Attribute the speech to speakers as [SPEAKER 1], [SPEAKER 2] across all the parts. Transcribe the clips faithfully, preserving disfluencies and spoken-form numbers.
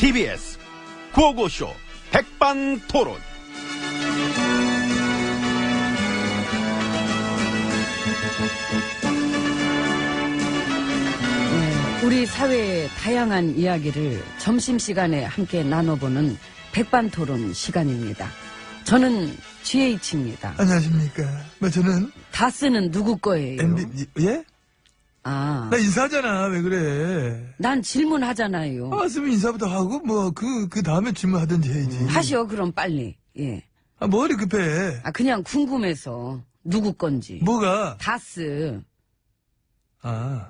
[SPEAKER 1] 티비에스 구호고쇼 백반토론.
[SPEAKER 2] 네, 우리 사회의 다양한 이야기를 점심시간에 함께 나눠보는 백반토론 시간입니다. 저는 지에이치입니다.
[SPEAKER 3] 안녕하십니까. 뭐 저는
[SPEAKER 2] 다스는 누구 거예요?
[SPEAKER 3] 엠비, 예?
[SPEAKER 2] 아,
[SPEAKER 3] 나 인사하잖아. 왜 그래?
[SPEAKER 2] 난 질문하잖아요.
[SPEAKER 3] 아, 쓰면 인사부터 하고 뭐 그 그 다음에 질문하든지 해야지.
[SPEAKER 2] 하시오, 그럼 빨리. 예.
[SPEAKER 3] 아, 머리 급해.
[SPEAKER 2] 아, 그냥 궁금해서 누구 건지.
[SPEAKER 3] 뭐가?
[SPEAKER 2] 다스
[SPEAKER 3] 아,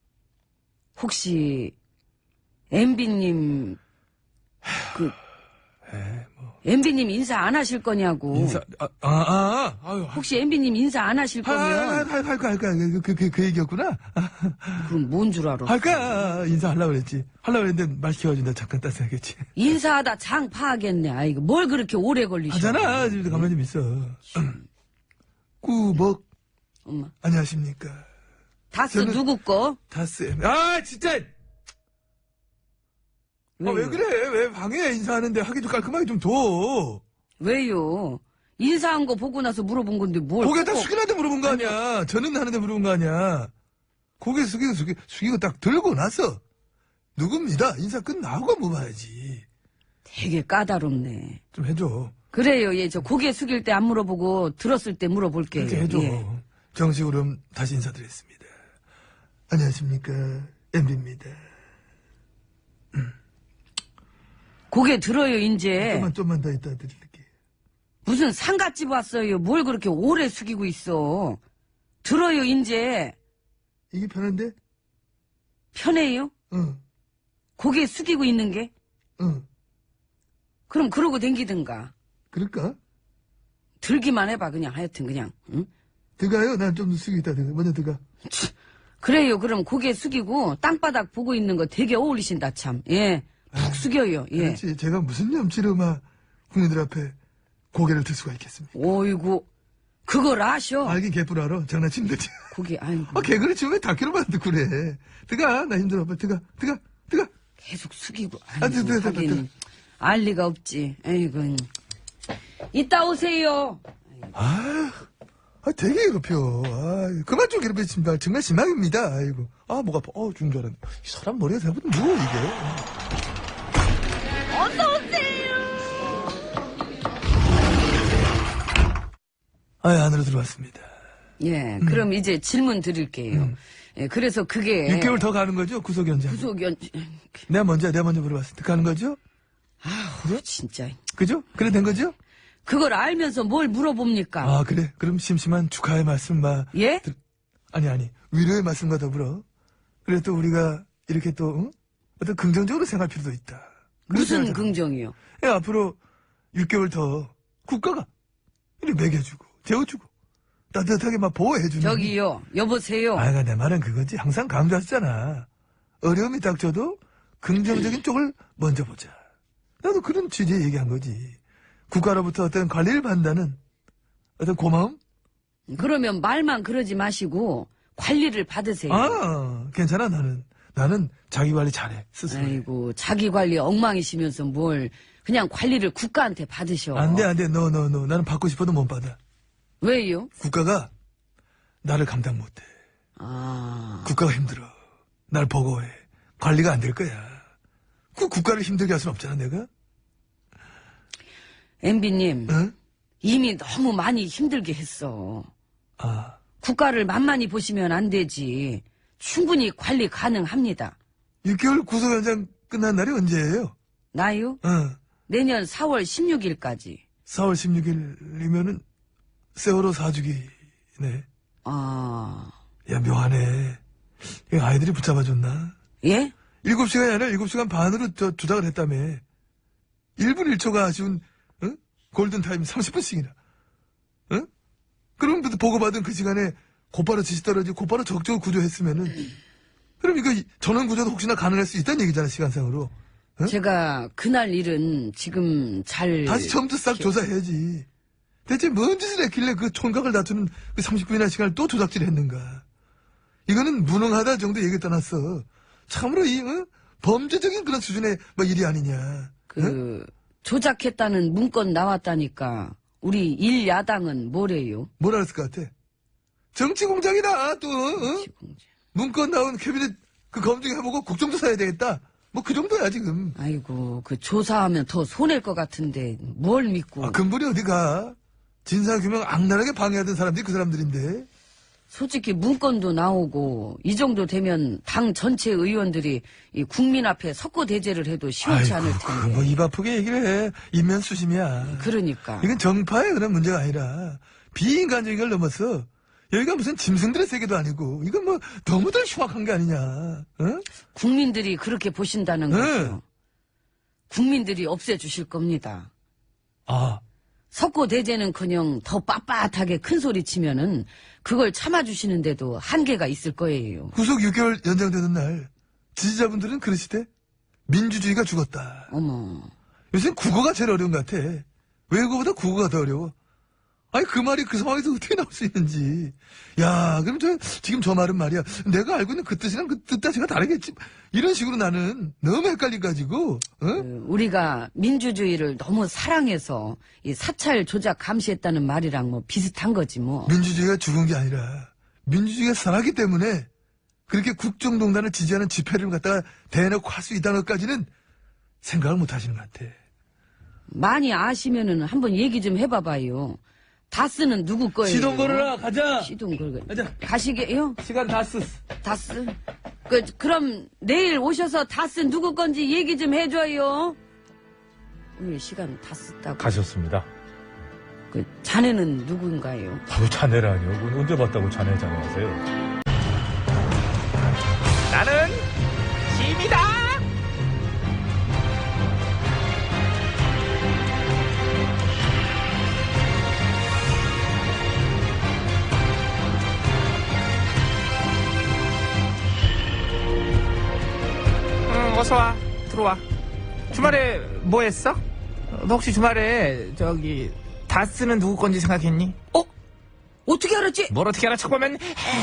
[SPEAKER 2] 혹시 엠비님 그
[SPEAKER 3] 에, 뭐
[SPEAKER 2] 엠비님 인사 안 하실 거냐고.
[SPEAKER 3] 인사 아, 아, 아, 아유.
[SPEAKER 2] 혹시 엠비님 인사 안 하실 거면
[SPEAKER 3] 할할할거 할까 그 그 그 그 얘기였구나.
[SPEAKER 2] 그럼 뭔 줄 알아?
[SPEAKER 3] 할까 인사하려고 그랬지. 하려고 그랬는데 말 키워준다 잠깐 땄어야겠지.
[SPEAKER 2] 인사하다 장 파하겠네. 아이고 뭘 그렇게 오래 걸리셔?
[SPEAKER 3] 하잖아. 지금 가만히 좀 있어. 꾸벅.
[SPEAKER 2] 엄마.
[SPEAKER 3] 안녕하십니까.
[SPEAKER 2] 다스
[SPEAKER 3] 저는-
[SPEAKER 2] 누구 거?
[SPEAKER 3] 다스. 아 진짜. 아, 왜
[SPEAKER 2] 왜요?
[SPEAKER 3] 그래? 왜 방해 인사하는데 하기 좀 깔끔하게 좀 둬.
[SPEAKER 2] 왜요? 인사한 거 보고 나서 물어본 건데 뭘?
[SPEAKER 3] 고개 딱
[SPEAKER 2] 꼭-
[SPEAKER 3] 숙이는데 물어본 거 아니야. 저는 하는데 물어본 거 아니야. 고개 숙이고 숙이, 숙이고 딱 들고 나서 누굽니다. 인사 끝나고 물어봐야지.
[SPEAKER 2] 되게 까다롭네.
[SPEAKER 3] 좀 해줘.
[SPEAKER 2] 그래요. 예, 저 고개 숙일 때 안 물어보고 들었을 때 물어볼게요.
[SPEAKER 3] 그렇게 해줘.
[SPEAKER 2] 예.
[SPEAKER 3] 정식으로 다시 인사드리겠습니다. 안녕하십니까. 엠비입니다.
[SPEAKER 2] 고개 들어요, 이제.
[SPEAKER 3] 좀만, 좀만 더 이따 드릴게.
[SPEAKER 2] 무슨 상갓집 왔어요. 뭘 그렇게 오래 숙이고 있어. 들어요, 이제.
[SPEAKER 3] 이게 편한데?
[SPEAKER 2] 편해요?
[SPEAKER 3] 응,
[SPEAKER 2] 고개 숙이고 있는 게?
[SPEAKER 3] 응.
[SPEAKER 2] 그럼 그러고 댕기든가.
[SPEAKER 3] 그럴까?
[SPEAKER 2] 들기만 해봐, 그냥. 하여튼, 그냥. 응?
[SPEAKER 3] 들어가요? 난 좀 숙이겠다. 들어가. 먼저 들어가.
[SPEAKER 2] 그래요. 그럼 고개 숙이고 땅바닥 보고 있는 거 되게 어울리신다, 참. 예. 푹 숙여요. 예.
[SPEAKER 3] 그렇지. 제가 무슨 염치로 막 국민들 앞에 고개를 들 수가 있겠습니까?
[SPEAKER 2] 오이고. 그걸 아셔.
[SPEAKER 3] 알긴 개뿔 알아. 장난치면 되지.
[SPEAKER 2] 고개, 아이고.
[SPEAKER 3] 아, 개그를 치면 왜 다큐로만 듣고 그래. 들어가. 나 힘들어. 빨리 들어가. 들어가. 들어가.
[SPEAKER 2] 계속 숙이고.
[SPEAKER 3] 아,
[SPEAKER 2] 아이고,
[SPEAKER 3] 들어가, 들어가,
[SPEAKER 2] 하긴. 알 리가 없지. 아이고. 이따 오세요.
[SPEAKER 3] 아, 아 되게 괴롭혀. 아, 그만 좀 괴롭히십니다. 정말 심하입니다. 아이고. 아, 목 아파. 어, 죽는 줄 알았네. 이 사람 머리가 생각보다 무거워, 이게. 아, 안으로 들어왔습니다.
[SPEAKER 2] 예, 그럼 이제 질문 드릴게요. 예, 그래서 그게.
[SPEAKER 3] 육 개월 더 가는 거죠? 구속 연장.
[SPEAKER 2] 구속연,
[SPEAKER 3] 내가 먼저, 내가 먼저 물어봤을 때 가는 거죠?
[SPEAKER 2] 아우, 진짜.
[SPEAKER 3] 그죠? 그래 된 거죠?
[SPEAKER 2] 그걸 알면서 뭘 물어봅니까?
[SPEAKER 3] 아, 그래. 그럼 심심한 축하의 말씀, 마.
[SPEAKER 2] 예?
[SPEAKER 3] 들- 아니, 아니. 위로의 말씀과 더불어. 그래 또 우리가 이렇게 또, 응? 어떤 긍정적으로 생각할 필요도 있다. 그런
[SPEAKER 2] 무슨
[SPEAKER 3] 생각을
[SPEAKER 2] 긍정이요?
[SPEAKER 3] 예, 앞으로 육 개월 더 국가가 이렇게 먹여주고, 재워주고, 따뜻하게 막 보호해주는.
[SPEAKER 2] 저기요, 여보세요.
[SPEAKER 3] 아이가 내 말은 그거지. 항상 강조하셨잖아. 어려움이 닥쳐도 긍정적인 쪽을 먼저 보자. 나도 그런 취지에 얘기한 거지. 국가로부터 어떤 관리를 받는다는 어떤 고마움?
[SPEAKER 2] 그러면 말만 그러지 마시고 관리를 받으세요.
[SPEAKER 3] 아, 괜찮아, 나는. 나는 자기 관리 잘해, 스스로.
[SPEAKER 2] 아이고, 자기 관리 엉망이시면서 뭘 그냥 관리를 국가한테 받으셔.
[SPEAKER 3] 안 돼, 안 돼. 노, 노, 노. 나는 받고 싶어도 못 받아.
[SPEAKER 2] 왜요?
[SPEAKER 3] 국가가 나를 감당 못 해.
[SPEAKER 2] 아,
[SPEAKER 3] 국가가 힘들어. 날 버거워해. 관리가 안 될 거야. 그 국가를 힘들게 할 수는 없잖아, 내가?
[SPEAKER 2] 엠비님,
[SPEAKER 3] 응?
[SPEAKER 2] 이미 너무 많이 힘들게 했어.
[SPEAKER 3] 아,
[SPEAKER 2] 국가를 만만히 보시면 안 되지. 충분히 관리 가능합니다.
[SPEAKER 3] 육 개월 구속 연장 끝난 날이 언제예요?
[SPEAKER 2] 나요?
[SPEAKER 3] 어,
[SPEAKER 2] 내년 사월 십육일까지.
[SPEAKER 3] 사월 십육일이면은 세월호 사주기네.
[SPEAKER 2] 아,
[SPEAKER 3] 야, 묘하네. 이거 아이들이 붙잡아줬나?
[SPEAKER 2] 예?
[SPEAKER 3] 일곱 시간이 아니라 일곱 시간 반으로 저 조작을 했다며. 일 분 일 초가 아쉬운, 응? 골든타임 삼십 분씩이나. 응? 그럼 보고받은 그 시간에 곧바로 지시 떨어지고 곧바로 적극적으로 구조했으면은, 그럼 이거 전원 구조도 혹시나 가능할 수 있다는 얘기잖아, 시간상으로. 응?
[SPEAKER 2] 제가 그날 일은 지금 잘.
[SPEAKER 3] 다시 처음부터 싹
[SPEAKER 2] 기억-
[SPEAKER 3] 조사해야지. 대체 뭔 짓을 했길래 그 촌각을 다투는 그 삼십 분이나 시간을 또 조작질 했는가. 이거는 무능하다 정도 얘기 떠났어. 참으로 이, 응? 범죄적인 그런 수준의 뭐 일이 아니냐.
[SPEAKER 2] 그
[SPEAKER 3] 응?
[SPEAKER 2] 조작했다는 문건 나왔다니까 우리 일야당은 뭐래요?
[SPEAKER 3] 뭐라 했을 것 같아? 정치 공작이다 또. 응? 문건 나온 캐비넷 그 검증해보고 국정조사 해야 되겠다. 뭐 그 정도야 지금.
[SPEAKER 2] 아이고 그 조사하면 더 손해일 것 같은데 뭘 믿고.
[SPEAKER 3] 아, 근본이 어디가? 진상규명 악랄하게 방해하던 사람들이 그 사람들인데.
[SPEAKER 2] 솔직히 문건도 나오고 이 정도 되면 당 전체 의원들이 이 국민 앞에 석고대죄를 해도 시원치 않을 텐데.
[SPEAKER 3] 뭐 입 아프게 얘기를 해. 인면수심이야.
[SPEAKER 2] 그러니까.
[SPEAKER 3] 이건 정파의 그런 문제가 아니라 비인간적인 걸 넘어서 여기가 무슨 짐승들의 세계도 아니고 이건 뭐 너무들 흉악한 게 아니냐. 어?
[SPEAKER 2] 국민들이 그렇게 보신다는
[SPEAKER 3] 네.
[SPEAKER 2] 거죠. 국민들이 없애주실 겁니다.
[SPEAKER 3] 아,
[SPEAKER 2] 석고대죄는커녕 더 빳빳하게 큰 소리 치면은 그걸 참아주시는데도 한계가 있을 거예요.
[SPEAKER 3] 구속 육 개월 연장되는 날 지지자분들은 그러시대. 민주주의가 죽었다.
[SPEAKER 2] 어머.
[SPEAKER 3] 요새 국어가 제일 어려운 것 같아. 외국어보다 국어가 더 어려워. 아니 그 말이 그 상황에서 어떻게 나올 수 있는지. 야, 그럼 저 지금 저 말은 말이야. 내가 알고 있는 그 뜻이랑 그 뜻 자체가 다르겠지. 이런 식으로 나는 너무 헷갈려가지고. 어?
[SPEAKER 2] 그 우리가 민주주의를 너무 사랑해서 이 사찰 조작 감시했다는 말이랑 뭐 비슷한 거지 뭐.
[SPEAKER 3] 민주주의가 죽은 게 아니라 민주주의가 살았기 때문에 그렇게 국정농단을 지지하는 집회를 갖다가 대놓고 할 수 있다는 것까지는 생각을 못 하시는 것 같아.
[SPEAKER 2] 많이 아시면은 한번 얘기 좀 해봐봐요. 다스는 누구 거예요?
[SPEAKER 3] 시동 걸어라, 가자.
[SPEAKER 2] 시동 걸어.
[SPEAKER 3] 가자.
[SPEAKER 2] 가시게요?
[SPEAKER 3] 시간 다 쓰.
[SPEAKER 2] 다스? 그, 그럼 내일 오셔서 다스 누구 건지 얘기 좀 해줘요. 오늘 시간 다 썼다고.
[SPEAKER 4] 가셨습니다.
[SPEAKER 2] 그, 자네는 누군가요?
[SPEAKER 4] 바로 자네라니요. 그건 언제 봤다고 자네 자네 하세요. 나는 짐이다.
[SPEAKER 5] 응, 어서와. 들어와. 주말에 뭐 했어? 너 혹시 주말에 저기 다스는 누구 건지 생각했니?
[SPEAKER 2] 어? 어떻게 알았지?
[SPEAKER 5] 뭘 어떻게 알아? 쳐보면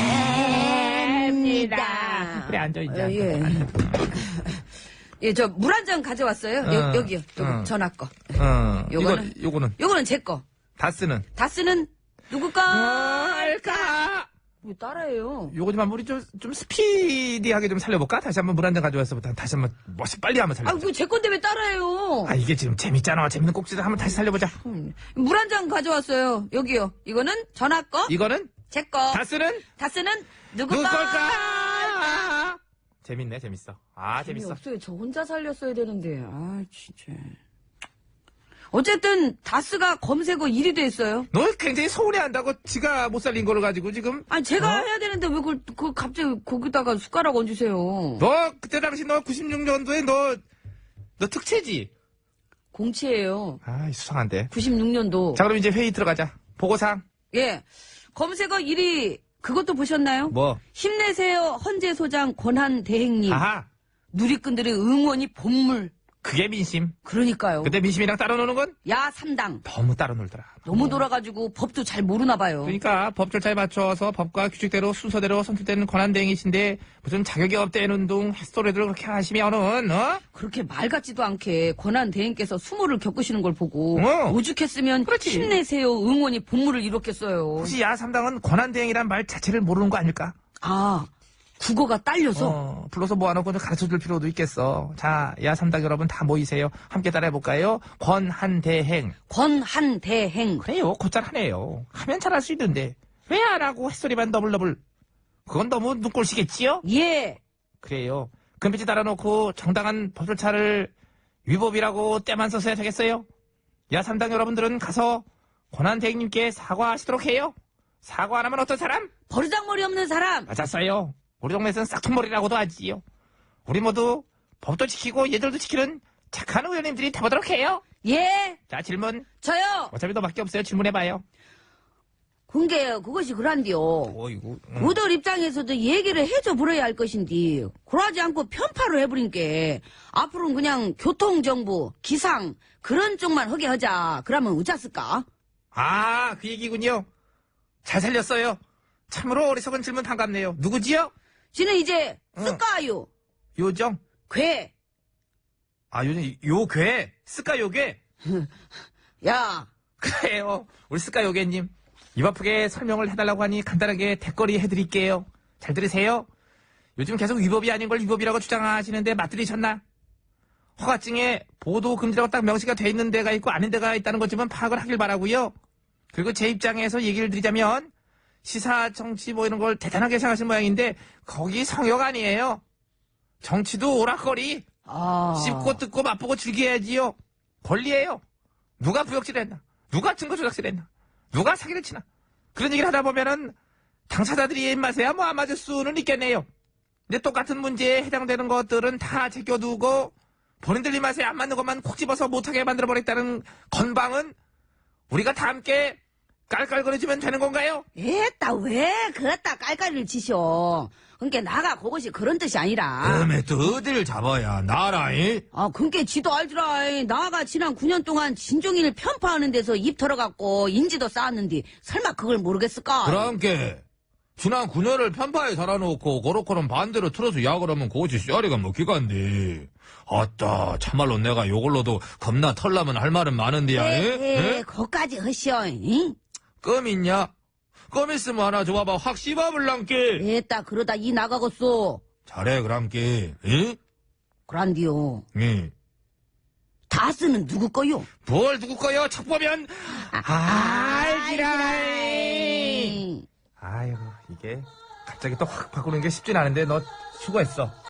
[SPEAKER 2] 합니다.
[SPEAKER 5] 그래 앉아 이제.
[SPEAKER 2] 어, 예. 예, 저 물 한 잔 가져왔어요.
[SPEAKER 5] 어,
[SPEAKER 2] 여, 여기요. 여기
[SPEAKER 5] 어.
[SPEAKER 2] 전화 거.
[SPEAKER 5] 어,
[SPEAKER 2] 요거는?
[SPEAKER 5] 이거 요거는
[SPEAKER 2] 요거는 제 거.
[SPEAKER 5] 다스는
[SPEAKER 2] 다스는 누구 거?
[SPEAKER 5] 뭘까?
[SPEAKER 2] 왜 따라해요?
[SPEAKER 5] 요거 좀 한번 우리 좀, 좀 스피디하게 좀 살려볼까? 다시 한번 물 한 잔 가져와서 다시 한번 멋이 빨리 한번
[SPEAKER 2] 아,
[SPEAKER 5] 살려보자.
[SPEAKER 2] 그거 제 건데 왜 따라해요?
[SPEAKER 5] 아 이게 지금 재밌잖아. 재밌는 꼭지를 한번 다시 살려보자.
[SPEAKER 2] 물 한 잔 가져왔어요. 여기요. 이거는 전화 거.
[SPEAKER 5] 이거는
[SPEAKER 2] 제 거.
[SPEAKER 5] 다스는
[SPEAKER 2] 다스는 누구
[SPEAKER 5] 누구
[SPEAKER 2] 거?
[SPEAKER 5] 걸까? 재밌네, 재밌어. 아, 재밌어.
[SPEAKER 2] 없어요. 저 혼자 살렸어야 되는데. 아, 진짜. 어쨌든 다스가 검색어 일 위 됐어요.
[SPEAKER 5] 너 굉장히 서운해한다고 지가 못 살린 거를 가지고 지금.
[SPEAKER 2] 아니 제가
[SPEAKER 5] 어?
[SPEAKER 2] 해야 되는데 왜 그걸 그 갑자기 거기다가 숟가락 얹으세요?
[SPEAKER 5] 너 그때 당시 너 구십육 년도에 너, 너 특채지?
[SPEAKER 2] 공치예요.
[SPEAKER 5] 아, 수상한데.
[SPEAKER 2] 구십육 년도.
[SPEAKER 5] 자, 그럼 이제 회의 들어가자. 보고상.
[SPEAKER 2] 예. 검색어 일 위 그것도 보셨나요?
[SPEAKER 5] 뭐?
[SPEAKER 2] 힘내세요 헌재 소장 권한 대행님.
[SPEAKER 5] 아하.
[SPEAKER 2] 누리꾼들의 응원이 본물.
[SPEAKER 5] 그게 민심.
[SPEAKER 2] 그러니까요.
[SPEAKER 5] 그때 민심이랑 따로 노는 건
[SPEAKER 2] 야 삼 당.
[SPEAKER 5] 너무 따로 놀더라.
[SPEAKER 2] 너무 돌아가지고 법도 잘 모르나 봐요.
[SPEAKER 5] 그러니까 법 절차에 맞춰서 법과 규칙대로 순서대로 선출되는 권한대행이신데 무슨 자격이 없다는 둥 햇소리들 그렇게 하시면은 어?
[SPEAKER 2] 그렇게 말 같지도 않게 권한 대행께서 수모를 겪으시는 걸 보고
[SPEAKER 5] 어.
[SPEAKER 2] 오죽했으면
[SPEAKER 5] 그렇지.
[SPEAKER 2] 힘내세요 응원이 본물을 이뤘겠어요.
[SPEAKER 5] 혹시 야삼당은 권한대행이란 말 자체를 모르는 거 아닐까?
[SPEAKER 2] 아 국어가 딸려서
[SPEAKER 5] 어, 불러서 모아놓고 좀 가르쳐줄 필요도 있겠어. 자, 야삼당 여러분 다 모이세요. 함께 따라해볼까요? 권한대행.
[SPEAKER 2] 권한 대행.
[SPEAKER 5] 그래요, 곧잘 하네요. 하면 잘할 수 있는데 왜 안 하고 햇소리만 더블더블. 그건 너무 눈꼴시겠지요?
[SPEAKER 2] 예.
[SPEAKER 5] 그래요. 금빛이 달아놓고 정당한 법 절차를 위법이라고 때만 써서야 되겠어요? 야삼당 여러분들은 가서 권한대행님께 사과하시도록 해요. 사과 안 하면 어떤 사람?
[SPEAKER 2] 버르장머리 없는 사람.
[SPEAKER 5] 맞았어요. 우리 동네에서는 싹퉁머리라고도 하지요. 우리 모두 법도 지키고 예절도 지키는 착한 의원님들이 돼보도록 해요.
[SPEAKER 2] 예.
[SPEAKER 5] 자, 질문.
[SPEAKER 2] 저요.
[SPEAKER 5] 어차피 너밖에 없어요. 질문해봐요.
[SPEAKER 2] 그게 그것이 그란디요.
[SPEAKER 5] 어이구. 응.
[SPEAKER 2] 우들 입장에서도 얘기를 해줘 버려야 할 것인데 그러지 않고 편파를 해버린 게 앞으로는 그냥 교통정보, 기상 그런 쪽만 하게 하자. 그러면 어쩌을까?
[SPEAKER 5] 아, 그 얘기군요. 잘 살렸어요. 참으로 어리석은 질문 반갑네요. 누구지요?
[SPEAKER 2] 지는 이제
[SPEAKER 5] 응.
[SPEAKER 2] 쓸까요?
[SPEAKER 5] 요정.
[SPEAKER 2] 괴.
[SPEAKER 5] 아, 요즘 요괴, 스카 요괴.
[SPEAKER 2] 야,
[SPEAKER 5] 그래요. 우리 스카 요괴님. 입 아프게 설명을 해달라고 하니 간단하게 대거리 해드릴게요. 잘 들으세요. 요즘 계속 위법이 아닌 걸 위법이라고 주장하시는데 맞들이셨나? 허가증에 보도 금지라고 딱 명시가 돼 있는 데가 있고 아닌 데가 있다는 것 좀 파악을 하길 바라고요. 그리고 제 입장에서 얘기를 드리자면 시사, 정치 뭐 이런 걸 대단하게 생각하시는 모양인데 거기 성역 아니에요. 정치도 오락거리.
[SPEAKER 2] 아.
[SPEAKER 5] 씹고 뜯고 맛보고 즐겨야지요. 권리예요. 누가 부역질을 했나? 누가 증거 조작질을 했나? 누가 사기를 치나? 그런 얘기를 하다 보면은 당사자들이 입맛에야 뭐 안 맞을 수는 있겠네요. 근데 똑같은 문제에 해당되는 것들은 다 제껴두고 본인들 입맛에 안 맞는 것만 콕 집어서 못하게 만들어버렸다는 건방은 우리가 다 함께 깔깔거려주면 되는 건가요?
[SPEAKER 2] 에따, 왜 그따 깔깔이를 치셔? 그니까 나가 그것이 그런 뜻이 아니라.
[SPEAKER 6] 다음에 또 어디를 잡아야 나라이?
[SPEAKER 2] 아, 그니까 지도 알더라. 나가 지난 구 년 동안 진종인을 편파하는 데서 입 털어갖고 인지도 쌓았는데 설마 그걸 모르겠을까?
[SPEAKER 6] 그랑께 지난 구 년을 편파에 살아놓고 고로코는 반대로 틀어서 약을 하면 그것이 쇠리가 먹기간디. 아따 참말로 내가 요걸로도 겁나 털라면 할 말은 많은데야.
[SPEAKER 2] 에,
[SPEAKER 6] 에?
[SPEAKER 2] 에, 거까지 허시오. 응?
[SPEAKER 6] 껌 있냐? 껌 있으면 하나 줘봐봐. 확 씹어볼랑께.
[SPEAKER 2] 에따, 그러다 이 나가겠소.
[SPEAKER 6] 잘해 그랑께. 응?
[SPEAKER 2] 그란디요.
[SPEAKER 6] 응.
[SPEAKER 2] 다 쓰는 누구 거요?
[SPEAKER 6] 뭘 누구 거요? 척 보면 알지라.
[SPEAKER 2] 에이.
[SPEAKER 5] 아이고, 이게 갑자기 또 확 바꾸는 게 쉽진 않은데 너 수고했어.